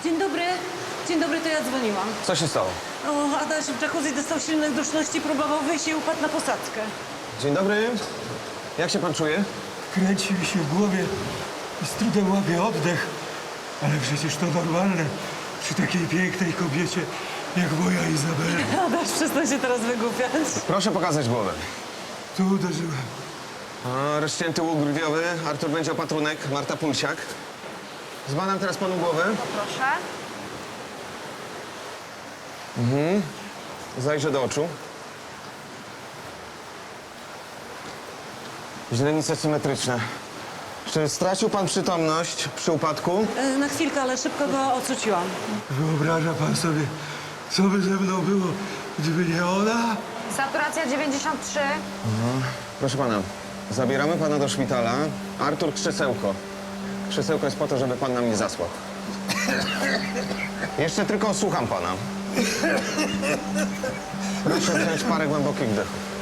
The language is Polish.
Dzień dobry. Dzień dobry, to ja dzwoniłam. Co się stało? O, Adaś w jacuzzi dostał silnych duszności, próbował wyjść i upadł na posadzkę. Dzień dobry. Jak się pan czuje? Kręci mi się w głowie i z trudem łapię oddech. Ale przecież to normalne przy takiej pięknej kobiecie jak moja Izabela. Adaś, przestań się teraz wygłupiać. Proszę pokazać głowę. Tu uderzyłem. Rozcięty łuk brwiowy, Artur będzie opatrunek, Marta Pulsiak. Zbadam teraz panu głowę. Proszę. Zajrzę do oczu. Źrenice symetryczne. Czy stracił pan przytomność przy upadku? Na chwilkę, ale szybko go ocuciłam. Wyobraża pan sobie, co by ze mną było, gdyby nie ona? Saturacja 93. Proszę pana, zabieramy pana do szpitala. Artur, krzesełko. Krzesełko jest po to, żeby pan nam nie zasłał. Jeszcze tylko słucham pana. Proszę wziąć parę głębokich wdechów.